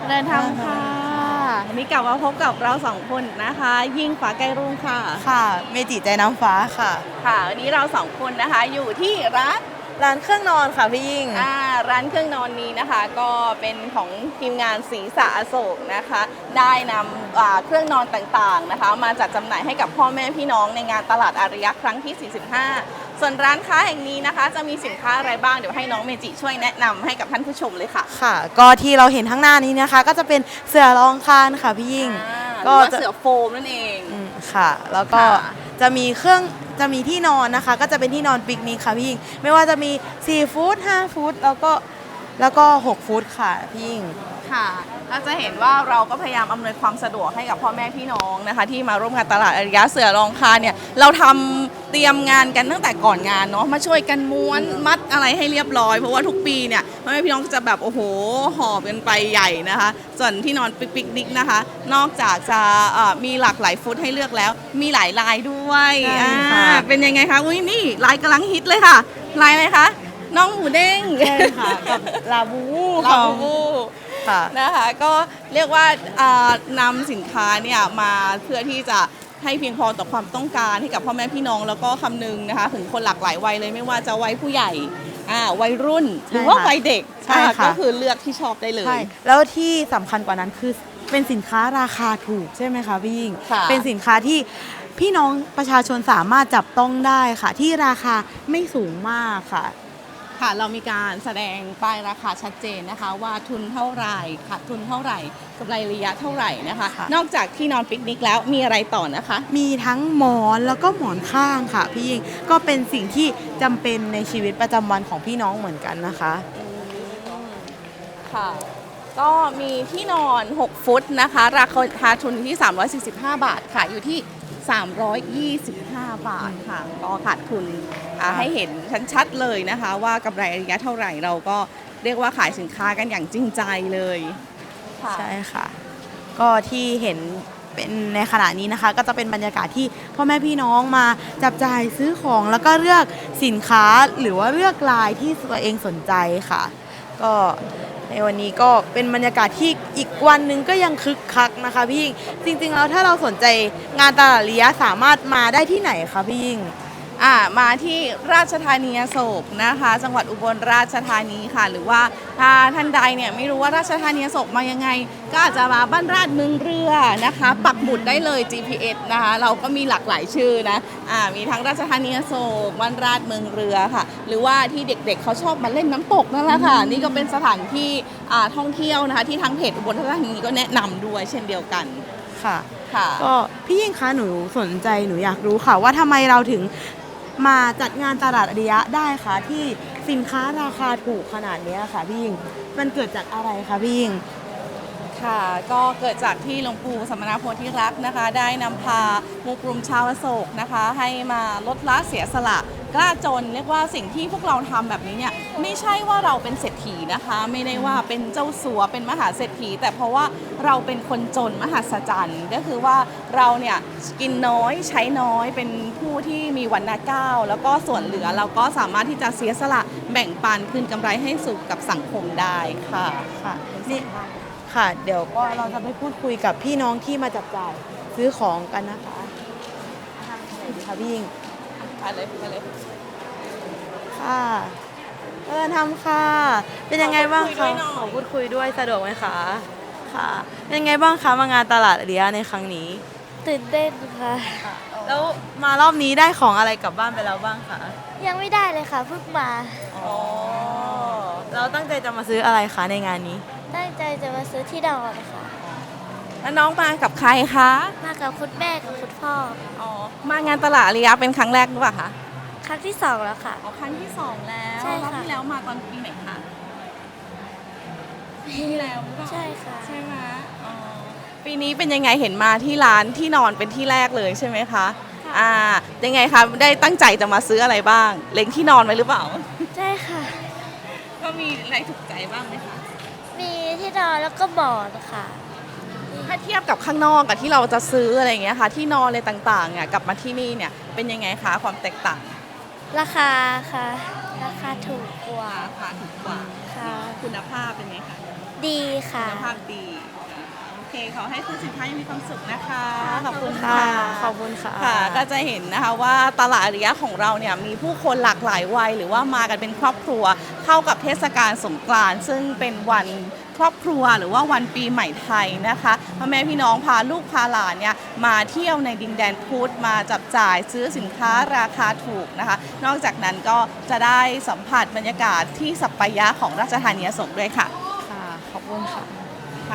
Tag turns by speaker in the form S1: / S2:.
S1: เดินทางค่ะวันนี้กลับมาพบกับเราสองคนนะคะ ยิ่งฟ้าใกล้รุ่งค่ะ
S2: ค่ะเมจิใจน้ำฟ้าค่ะ
S1: ค่ะวันนี้เราสองคนนะคะอยู่ที่
S2: ร้านเครื่องนอนค่ะพี่ยิ่ง
S1: ร้านเครื่องนอนนี้นะคะ ก็เป็นของทีมงานศรีสะอโศกนะคะ ได้นำเครื่องนอนต่างๆนะคะ มาจัดจำหน่ายให้กับพ่อแม่พี่น้องในงานตลาดอาริยะครั้งที่ 45 ส่วนร้านค้าแห่งนี้นะคะ จะมีสินค้าอะไรบ้างเดี๋ยวให้น้องเมจิช่วยแนะนำให้กับท่านผู้ชมเลยค่ะ
S2: ค่ะก็ที่เราเห็นข้างหน้านี้นะคะ ก็จะเป็นเสื่อรองคานค่ะพี่ยิ่ง
S1: ก็เสื่อโฟมนั่นเอง
S2: ค่ะแล้วก็จะมีที่นอนนะคะ ก็จะเป็นที่นอนปิกนิกค่ะพี่ยิ่งไม่ว่าจะมี4ฟุต5ฟุตแล้วก็6ฟุตค่ะพี่ยิ่ง
S1: ค่ะเราจะเห็นว่าเราก็พยายามอำนวยความสะดวกให้กับพ่อแม่พี่น้องนะคะที่มาร่วมงานตลาดอาริยะเสือรองคาเนี่ยเราทำเตรียมงานกันตั้งแต่ก่อนงานเนาะมาช่วยกันม้วนมัดอะไรให้เรียบร้อยเพราะว่าทุกปีเนี่ยพ่อแม่พี่น้องจะแบบโอ้โหหอบกันไปใหญ่นะคะส่วนที่นอนปิกนิกนะคะนอกจากจะมีหลากหลายฟุตให้เลือกแล้วมีหลายลายด้วยเป็นยังไงคะอุ้ยนี่ลายกำลังฮิตเลยค่ะลายอะไรคะน้องหมูเด้ง
S2: ใช่ค่ะกับลาบู
S1: นะคะก็เรียกว่านำสินค้าเนี่ยมาเพื่อที่จะให้เพียงพอต่อความต้องการให้กับพ่อแม่พี่น้องแล้วก็คำนึงนะคะถึงคนหลากหลายวัยเลยไม่ว่าจะวัยผู้ใหญ่วัยรุ่นหรือว่าวัยเด็กก็คือเลือกที่ชอบได้เลย
S2: แล้วที่สำคัญกว่านั้นคือเป็นสินค้าราคาถูกใช่ไหมคะพี่ยิ่งเป็นสินค้าที่พี่น้องประชาชนสามารถจับต้องได้ค่ะที่ราคาไม่สูงมากค่ะ
S1: เรามีการแสดงป้ายราคาชัดเจนนะคะว่าทุนเท่าไหร่ขาดทุนเท่าไหร่กำไรระยะเท่าไหร่นะคะนอกจากที่นอนปิกนิกแล้วมีอะไรต่อนะคะ
S2: มีทั้งหมอนแล้วก็หมอนข้างค่ะพี่ยิ่งก็เป็นสิ่งที่จำเป็นในชีวิตประจำวันของพี่น้องเหมือนกันนะคะ
S1: ค่ะก็มีที่นอน6ฟุตนะคะราคาทุนที่345 บาทค่ะอยู่ที่325 บาทค่ะก็ขาดทุนให้เห็นชัดๆเลยนะคะว่ากำไรระยะเท่าไหร่เราก็เรียกว่าขายสินค้ากันอย่างจริงใจเลย
S2: ใช่ค่ะก็ที่เห็นเป็นในขณะนี้นะคะก็จะเป็นบรรยากาศที่พ่อแม่พี่น้องมาจับจ่ายซื้อของแล้วก็เลือกสินค้าหรือว่าเลือกลายที่ตัวเองสนใจค่ะก็ในวันนี้ก็เป็นบรรยากาศที่อีกวันหนึ่งก็ยังคึกคักนะคะพี่ยิ่งจริงๆแล้วถ้าเราสนใจงานตลาดอาริยะสามารถมาได้ที่ไหนคะพี่ยิ่ง
S1: มาที่ราชธานีอโศกนะคะจังหวัดอุบลราชธานีค่ะหรือว่าถ้าท่านใดเนี่ยไม่รู้ว่าราชธานีอโศกมายังไงก็อาจจะมาบ้านราชเมืองเรือนะคะปักหมุดได้เลย GPS นะคะเราก็มีหลากหลายชื่อนะมีทั้งราชธานีอโศกบ้านราชเมืองเรือค่ะหรือว่าที่เด็กๆเขาชอบมาเล่นน้ำตกนั่นแหละค่ะนี่ก็เป็นสถานที่ท่องเที่ยวนะคะที่ทางเพจอุบลราชธานีก็แนะนำด้วยเช่นเดียวกัน
S2: ค่ะก็พี่ยิ่งคะหนูสนใจหนูอยากรู้ค่ะว่าทำไมเราถึงมาจัดงานตลาดอาริยะได้คะที่สินค้าราคาถูกขนาดนี้ค่ะพี่ยิ่งมันเกิดจากอะไรคะพี่ยิ่ง
S1: ค่ะก็เกิดจากที่หลวงปู่สมณโพธิรักษ์นะคะได้นำพาหมู่กลุ่มชาวอโศกนะคะให้มาลดละเสียสละกล้าจนเรียกว่าสิ่งที่พวกเราทำแบบนี้เนี่ยไม่ใช่ว่าเราเป็นเศรษฐีนะคะไม่ได้ว่าเป็นเจ้าสัวเป็นมหาเศรษฐีแต่เพราะว่าเราเป็นคนจนมหัศจรรย์ก็คือว่าเราเนี่ยกินน้อยใช้น้อยเป็นผู้ที่มีวรรณะเก้าแล้วก็ส่วนเหลือเราก็สามารถที่จะเสียสละแบ่งปันคืนกำไรให้สู่กับสังคมได้ค่ะ
S2: นี่ค่ะเดี๋ยวก็เราจะไปพูดคุยกับพี่น้องที่มาจับจ่ายซื้อของกันนะคะทางไหนดีคะพี่ยิ่ง
S1: ไปเลย
S2: ค่ะทำค่ะเป็นยังไงบ้างคะขอพูดคุยด้วยสะดวกไหมคะค่ะเป็นยังไงบ้างคะมางานตลาดอาริยะในครั้งนี้
S3: ตื่นเต้นค่ะ
S2: แล้วมารอบนี้ได้ของอะไรกลับบ้านไปแล้วบ้างคะ
S3: ยังไม่ได้เลยค่ะเพิ่งมา
S2: เราตั้งใจจะมาซื้ออะไรคะในงานนี้
S3: ตั้งใจจะมาซื้อที่ดอนค่ะ
S1: แล้วน้องมากับใครคะ
S3: มากับคุณแม่กับคุณพ่อ
S1: มางานตลาดอาริยะเป็นครั้งแรกหรือเปล่าคะ
S3: ครั้งที่2แล้วค่ะ
S1: ครั้งที่2แล้ว
S3: ใช่ค่ะ
S1: รอบที่แล้วมาตอนปีไหนคะปีแล้ว
S3: ใช่ค่ะ
S1: ใช่ไหมปีนี้เป็นยังไงเห็นมาที่ร้านที่นอนเป็นที่แรกเลยใช่ไหมคะยังไงคะได้ตั้งใจจะมาซื้ออะไรบ้างเล็งที่นอนไว้หรือเปล่า
S3: ใช่ค่ะ
S1: ก็มีอะไรถูกใจบ้างไหมคะ
S3: มีที่นอนแล้วก็หมอนค่ะ
S1: ถ้าเทียบกับข้างนอกกับที่เราจะซื้ออะไรอย่างเงี้ยค่ะที่นอนอะไรต่างๆเนี่ยกลับมาที่นี่เนี่ยเป็นยังไงคะความแตกต่าง
S3: ราคาค่ะราคาถูกกว่า
S1: ค่ะ
S3: ค่ะ
S1: คุณภาพเป็นไงคะ
S3: ดีค่ะ
S1: คุณภาพดีโอเคขอให้คุณสินค้ายังมีความสุขนะคะ ขอบคุณ
S2: ค่ะ
S1: ค่ะ
S2: ขอบคุณค่ะ
S1: ค่ะก็จะเห็นนะคะว่าตลาดอาริยะของเราเนี่ยมีผู้คนหลากหลายวัยหรือว่ามากันเป็นครอบครัวเข้ากับเทศกาลสงกรานต์ซึ่งเป็นวันครอบครัวหรือว่าวันปีใหม่ไทยนะคะพ่อแม่พี่น้องพาลูกพาหลานเนี่ยมาเที่ยวในดินแดนพุทธมาจับจ่ายซื้อสินค้าราคาถูกนะคะ นอกจากนั้นก็จะได้สัมผัสบรรยากาศที่สัปปายะของราชธานีอโศกด้วยค่ะ
S2: ค่ะ ขอบคุณค่ะ